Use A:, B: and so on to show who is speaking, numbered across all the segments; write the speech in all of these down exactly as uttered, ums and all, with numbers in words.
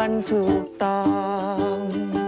A: มันถูกต้อง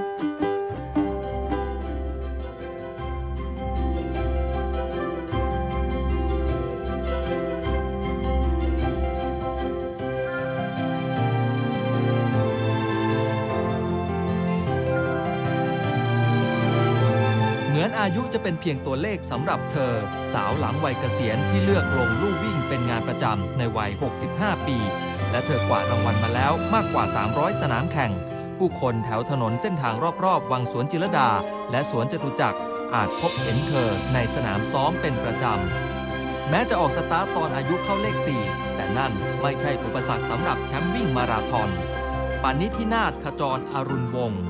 B: เหมือนอายุจะเป็นเพียงตัวเลขสำหรับเธอสาวหลังวัยเกษียณที่เลือกลงลู่วิ่งเป็นงานประจำในวัยหกสิบห้าปีและเธอกวาดรางวัลมาแล้วมากกว่าสามร้อยสนามแข่งผู้คนแถวถนนเส้นทางรอบๆวังสวนจิรดาและสวนจตุจักรอาจพบเห็นเธอในสนามซ้อมเป็นประจำแม้จะออกสตาร์ตตอนอายุเข้าเลขสี่แต่นั่นไม่ใช่อุปสรรคสำหรับแชมป์วิ่งมาราธอนปานิธินาถขจรอรุณวงศ์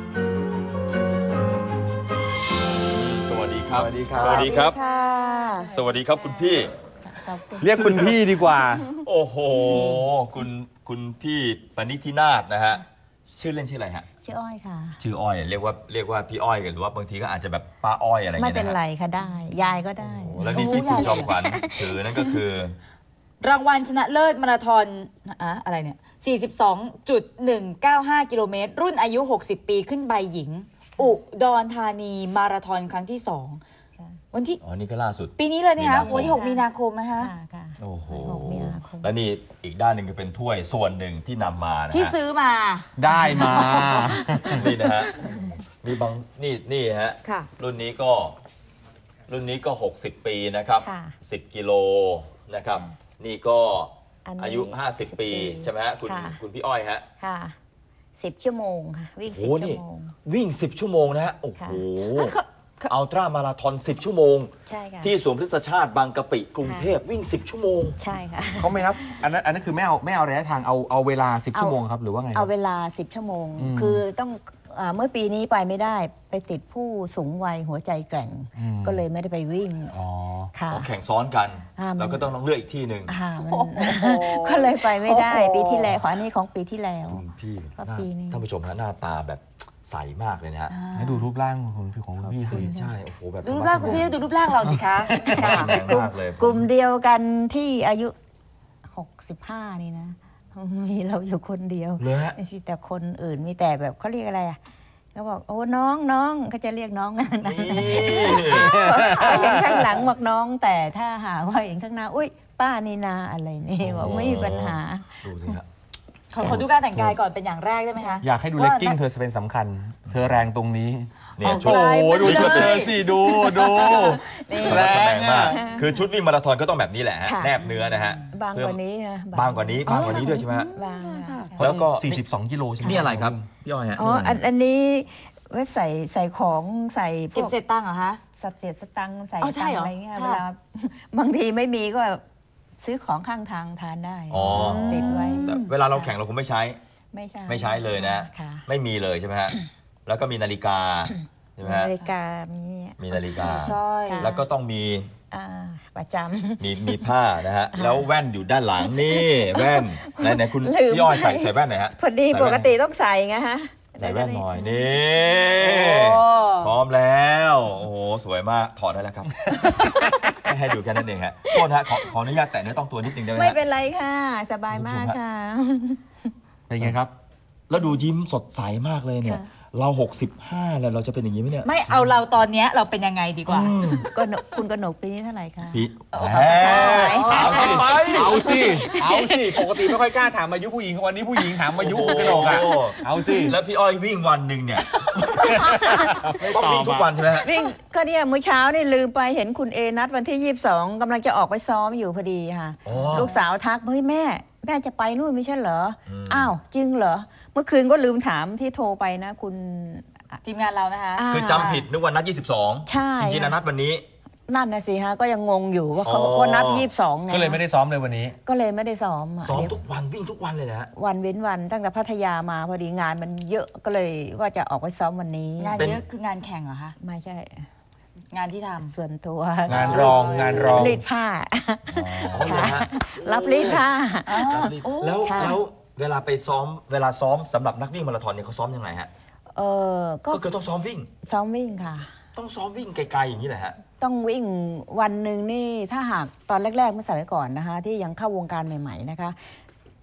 C: สวัสดีครับ
A: สวัสดีครับ
C: สวัสดีครับ สวัสดีครับคุณพี่
A: เรียกคุณพี่ดีกว่า
C: โอ้โห คุณคุณพี่ปณิธินาถนะฮะ ชื่อเล่นชื่ออะไรฮะ
D: ชื่ออ้อยค่ะ
C: ชื่ออ้อย เรียกว่าเรียกว่าพี่อ้อยกันหรือว่าบางทีก็อาจจะแบบป้าอ้อยอะไรอย่าง
D: ไม่
C: เงี้ย
D: เป็น
C: นะ
D: ไร
C: ฮะ
D: ค่ะได้ ยายก็ได้
C: โอ้แล้วนี่ที่คุณจอมขวัญถือนั่นก็คือ
E: รางวัลชนะเลิศมาราธอนอะอะไรเนี่ย สี่สิบสองจุดหนึ่งเก้าห้า กิโลเมตร รุ่นอายุ หกสิบ ปีขึ้นใบหญิง อุดรธานีมาราธอนครั้งที่สองวันที่
C: อ๋อ นี่ก็ล่าสุด
E: ปีนี้เลยเนี่ยคะ
C: มีนาคม
E: วันที่ หก มีนาคมนะคะ
D: ค่ะค่ะ
C: โอ้โห
D: หกมีนาคม
C: แล้วนี่อีกด้านหนึ่งก็เป็นถ้วยส่วนหนึ่งที่นำมานะฮะ
E: ที่ซื้อมา
A: ได้มา
C: นี่นะฮะ มีบางนี่นี่ฮะ
E: ค่ะ
C: รุ่นนี้ก็รุ่นนี้ก็หกสิบปีนะครับ
D: ค่ะ
C: สิบกิโลนะครับ นี่ก็
D: อันนี้
C: อายุห้าสิบปี
D: ปี
C: ใช่ไหมฮะคุณ
D: ค่ะ
C: คุณพี่อ้อยฮะ
D: ค่ะสิบชั่วโมงค่ะ วิ่ง
C: โอ้
D: สิบ
C: โห
D: ชั่
C: นี่
D: วโมง
C: วิ่งสิบชั่วโมงนะฮะ โอ้โห
D: ค่ะ
C: อัลตร้ามาราธอนสิบชั่วโมง
D: ใช่ค่ะ
C: ที่สวนพฤกษชาติบางกะปิกรุงเทพวิ่งสิบชั่วโมง
D: ใช่ค่ะ
A: เขาไม่นับอันนั้นอันนั้นคือไม่เอาไม่เอาระยะทางเอาเอาเวลาสิบ
D: เอา
A: ชั่วโมงครับหรือว่าไงค
D: เอา
A: รับ
D: เวลาสิบชั่วโมง
A: อืม
D: คือต้องอ่าเมื่อปีนี้ไปไม่ได้ไปติดผู้สูงวัยหัวใจแกร่ง
A: อืม
D: ก็เลยไม่ได้ไปวิ่ง
A: อ๋อ
D: ค่ะ
C: เขาแข่งซ้อนกัน
D: อ่ามัน
C: แล้วก็ต้องต้องเลือกอีกที่หนึ่ง
D: อ่ามันก็เลยไปไม่ได้ปีที่แล้วขออันนี้ของปีที่แล้ว
C: คุณพี่
D: ก็
C: หน้า
D: ปีนี้
C: ท่านผู้ชมฮะหน้าตาแบบใสมากเลยนะฮะ
A: ให้ดูรูปร่างของคุณของคุณพี่สิ
C: ใช่โอ้โหแบบ
E: ดูรูปร่างคุณพี่แล้วดูรูปร่างเราสิคะ
C: แรงมากเลย
D: กลุ่มเดียวกันที่อายุหกสิบห้านี่นะ มีเราอยู่คนเดียว
C: เลยฮะ
D: ไม่ใช่แต่คนอื่นมีแต่แบบเขาเรียกอะไรอ่ะเขาบอกโอ้น้องน้องเขาจะเรียกน้องนะ
C: นี่
D: เขาเห็นข้างหลังบอกน้อง แต่ถ้าหาว่าเห็นข้างหน้าอุ้ยป้านี่นาอะไรนี่บอกไม่มีปัญหา
C: ดูสิฮะ
E: ขอขอดูการแต่งกายก่อนเป็นอย่างแรกได้ไหมคะ
A: อยากให้ดูเลกกิ้งเธอเป็นสำคัญ เธอแรงตรงนี้
C: เนี่ย
E: โอ้
C: ชุด
E: โห
A: ดูชุดเธอสิดูดู
E: นี่
A: แรง
C: แรงมาก
A: อะ
C: คือชุดวิ่งมาราธอนก็ต้องแบบนี้แหละฮะ
D: ค่ะ
C: แนบเนื้อนะฮะ
D: บางกว่านี้นะ
C: บางกว่านี้บางกว่านี้ด้วยใช่ไหมฮะ
D: บางค่ะ
C: แล้วก็
A: สี่สิบสองกิโลใช่ไหม
C: นี่อะไรครับพี่อ้อยฮะ
D: อ๋ออันอันนี้ไว้ใส่ใส่ของใส่พ
E: เก็บ
D: วก
E: เศษตังค์เหรอคะ
D: สัตว์เศษสตังค์ใส่
E: อ๋อใช่
D: ตัง
E: เหรอ
D: ค์อะไรเงี้ย
E: ค่ะ
D: เวลา บางทีไม่มีก็ซื้อของข้างทางทานได้
C: อ๋อ
D: ติดไว้
C: แต่เวลาเราแข่งเราคงไม่ใช้
D: ไม่ใช่
C: ไม่ใช้เลยนะ
D: ค่ะ
C: ไม่มีเลยใช่ไหมฮะ แล้วก็มีนาฬิกาใช่ไหมฮะ
D: นาฬิกามี
C: มีนาฬิกา
E: สร้อย
C: แล้วก็ต้องมี
D: อ่าประจำ
C: มีมีผ้านะฮะ แล้วแว่นอยู่ด้านหลังนี่แว่นไหนไหนคุณ
D: ลืม
C: พี่อ้อยใส่
D: ไป
C: ใส่แว่นหน่อยฮะ
D: พอดี
C: ใส่
D: ป
C: แว่น
D: กติต้องใส่ไงฮะ
C: ใส่แว่นหน่อยนี่
E: โอ้
C: พร้อมแล้วโอ้โหสวยมากถอดได้แล้วครับ ให้ให้ดูแค่นั้นเองฮะโทษนะฮะขอขออนุญาตแตะเนื้อต้องตัวนิดนึงได้ไหม
D: ไม่
C: ฮะ
D: เป็นไรค่ะ สบายมากค่ะ
A: เป็นไงครับ
C: แล้วดูยิ้มสดใสมากเลยเนี่ย
D: ค่ะ
C: เราหกสิบห้าแล้วเราจะเป็นอย่างนี้ไหมเนี่ย
E: ไม่เอาเราตอนเนี้ยเราเป็นยังไงดีกว่า
D: ก็หนกคุณกนกปีนี้เท่าไหร่คะ
C: พี่แหม
A: เอาสิ
C: ไป
A: เอาสิเอาสิปกติไม่ค่อยกล้าถามอายุผู้หญิงวันนี้ผู้หญิงถามอายุคุณกนกอ่ะเอาสิ
C: แล้วพี่อ้อยวิ่งวันหนึ่งเนี่ยต้องวิ่งทุกวันใช่ไหมฮะ
D: วิ่งก็เนี่ยมื้อเช้านี่ลืมไปเห็นคุณเอนัดวันที่ยี่สิบสองกำลังจะออกไปซ้อมอยู่พอดีค่ะ
C: อ๋อ
D: ลูกสาวทักเฮ้ยแม่ แม่จะไปนู่นไม่ใช่เหรอ
C: อืม
D: อ้าวจริงเหรอ เมื่อคืนก็ลืมถามที่โทรไปนะ คุณ
E: ทีมงานเรานะคะ
D: า
C: คือจำผิดนึกว่านัดยี่สิบสอง
D: ใช่
C: จริงๆนะนัดวันนี้
D: นั่นนะสิฮะก็ยังงงอยู่ว่าเขา
C: อ๋อ
D: บอกว่านับยี่สิบสองไง
A: ก็เลยไม่ได้ซ้อมเลยวันนี้
D: ก็เลยไม่ได้ซ้อมะ
C: ซ้อม
D: เดี๋ยว
C: ทุกวันวิ่งทุกวันเลยนะฮะ
D: วันเว้นวันตั้งแต่พัทยามาพอดีงานมันเยอะก็เลยว่าจะออกไปซ้อมวันนี้
E: งาน
C: เป็น
E: เยอะคืองานแข่งเหรอคะ
D: ไม่ใช่
E: งานที่ทำ
D: ส่วนตัว
A: งานรองงานรอง
D: รีดผ้า
C: อ๋อเหรอฮะ
D: รับรีดผ้า
C: แล้ว
D: ค่ะ
C: แล้วเวลาไปซ้อมเวลาซ้อมสำหรับนักวิ่งมาราธอนเนี่ยเขาซ้อมยังไงฮะ
D: เออก็
C: ก็คือต้องซ้อมวิ่ง
D: ซ้อมวิ่งค่ะ
C: ต้องซ้อมวิ่งไกลๆอย่างนี้แหละฮะ
D: ต้องวิ่งวันหนึ่งนี่ถ้าหากตอนแรกๆเมื่อสมัยก่อนนะคะ ที่ยังเข้าวงการใหม่ๆนะคะ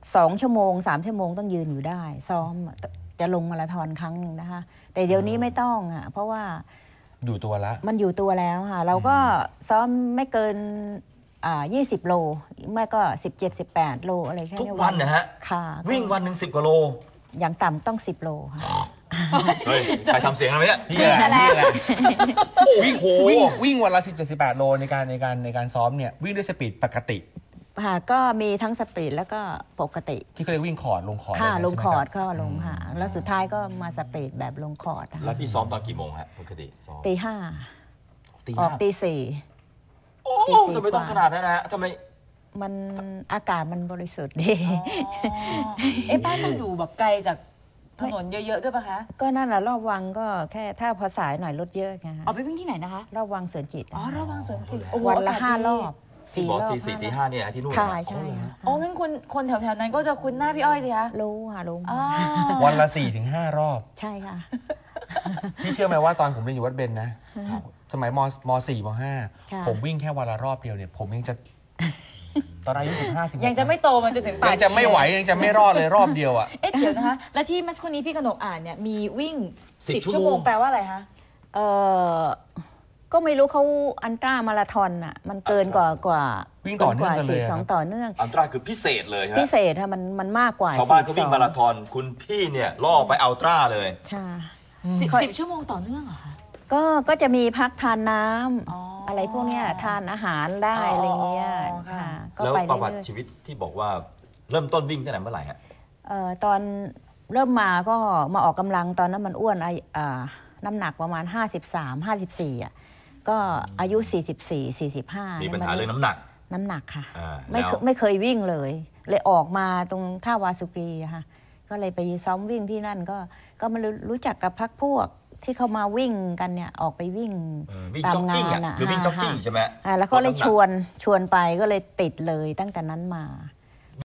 D: สองชั่วโมงสามชั่วโมงต้องยืนอยู่ได้ ซ้อมจะลงมาราธอนครั้งหนึ่งนะคะ แต่เดี๋ยวนี้ไม่ต้องอ่ะเพราะว่า
A: อยู่ตัวละ
D: มันอยู่ตัวแล้วค่ะ เราก็ซ้อมไม่เกินอ่ายี่สิบโลไม่ก็สิบเจ็ด สิบแปดโลอะไรแค่
C: ทุก
D: นี้
C: วันนะฮะ
D: ค่ะ
C: วิ่งวันหนึ่งสิบกว่าโล
D: อย่างต่ำต้องสิบโลค่ะ
C: เฮ้ยใครทำเสียงอะไรเนี่ย
A: นี่แหละ
E: นี่
A: นี่
E: แห
A: แห
E: ละ
A: ละวิ่งวิ่งวิ่งวันละสิบเจ็ดสิบแปดโลในการในการในการซ้อมเนี่ยวิ่งด้วยสปีดปกติ
D: ค่ะก็มีทั้งสปรินต์แล้วก็ปกติ
A: ที่เขาเรียกวิ่งคอร์ดลงคอร์ด
D: ค่ะ
A: ะไร
D: ลง
A: ใช่ไหม
D: คอร์ด
A: บ
D: ก็ลงค่ะแล้วสุดท้ายก็มาสปรินต์แบบลงคอร์ดค่ะ
C: แล้วพี่ซ้อมตอนกี่โมงฮะปกติซ้อม
D: ตีห้า
C: ตี
D: ออก
C: ห้า
D: ตีสี่
C: โอ้
D: ตีสี่
C: ทำไมต้อง
D: กว่า
C: ขนาดนั้นนะฮะทำไม
D: มันอากาศมันบริสุทธิ์ดี
E: เอ๊ะบ้านต้องอยู่แบบไกลจากถนนเยอะๆด้วยปะคะ
D: ก็นั่นแหละรอบวังก็แค่ถ้าพอสายหน่อยรถเยอะไงฮะ
E: เอาไปวิ่งที่ไหนนะคะ
D: รอบวังสวนจิต
E: อ๋อระวังสวนจิต
D: วันละห้ารอบ
C: ที่
D: สี่
C: บอก
D: รอบ
C: ตีสี่ตีห้าเนี่ยที่นู่น
D: ค่ะ
C: นะ
D: ใช่ค่ะ
E: อ๋องั้นคนคนแถวๆนั้นก็จะคุ้นหน้าพี่อ้อยสิคะ
D: รู้ค่ะรู้
E: อ๋อ
A: วันละสี่ถึงห้ารอบ
D: ใช่ค่ะ
A: พี่เชื่อไหมว่าตอนผมเรียนอยู่วัดเบญนะ สมัยมมสี่มห้า
D: ค่ะ
A: ผมวิ่งแค่วันละรอบเดียวเนี่ย ผมยังจะ ตอนอายุสิบห้าสิบ
E: ยังจะไม่โตมาจนถึงป่าน
A: ยังจะไม่ไหวยังจะไม่รอดเลยรอบเดียวอ่ะ
E: เอ๊ะเดี๋ยวนะคะ แล้วที่เมื่อสักครู่นี้พี่กนกอ่านเนี่ยมีวิ่ง
C: สิบ
E: สิบ
C: ชั่
E: ชั่
C: ว
E: ว
C: โม
E: โม
C: ง
E: งแปลว่าอะไรคะ
D: เออก็ไม่รู้เขาอันตรามาราธอนอ่ะ มันเกินกว่ากว่า
A: วิ่งต่อเนื่องกันเลย
D: สอง
A: ครับ
D: ต่อเนื่อง
C: อันตราคือพิเศษเลยฮะ
D: พิเศษค่ะมันมันมากกว่า
C: ชาวบ้านก็วิ่ง
D: สี่สิบสอ
C: มาราธอนคุณพี่เนี่ยล่อไปอัลตร้าเลย
D: ใช่
E: สิบ
D: ค่อย
E: สิบชั่วโมงต่อเนื่องเหรอคะ
D: ก็ก็จะมีพักทานน้ำ
E: อ๋ออ
D: อะไรพวกเนี้ยทานอาหารได้
E: อ๋ออ
D: อะไรเงี้ย
E: ค่ะ
D: ค่ะก็
C: แล้ว
D: ไป
C: ประวัติ
D: เรื่อย
C: ชีวิตที่บอกว่าเริ่มต้นวิ่งตั้งแต่เมื่อไหร่ฮะ
D: ๆเอ่อตอนเริ่มมาก็มาออกกำลังตอนนั้นมันอ้วนไออ่าน้ำหนักประมาณ ห้าสิบสาม ห้าสิบสี่อ่ะก็อายุ สี่สิบสี่ สี่สิบห้า
C: มี
D: มี
C: ปัญหาเรื่องน้ำหนัก
D: น้ำหนักค่ะ
C: อ่า
D: ไม่
C: แล้ว
D: เคไม่เคยวิ่งเลย เลยออกมาตรงท่าวาสุกรีอะค่ะก็เลยไปซ้อมวิ่งที่นั่นก็ก็มารู้รู้จักกับพักพวกที่เขามาวิ่งกันเนี่ยออกไปวิ่ง
C: เออวิ่ง
D: ตาม
C: จ็อกกิ้ง
D: งา
C: อ่ะ
D: นอะ
C: คือวิ่งจ็อกกิ้ง
D: ค่ะ
C: ใช่ไหม
D: อ่าแล้วเขาเลย
C: ด
D: ช
C: น้ำหนัก
D: วนชวนไปก็เลยติดเลยตั้งแต่นั้นมา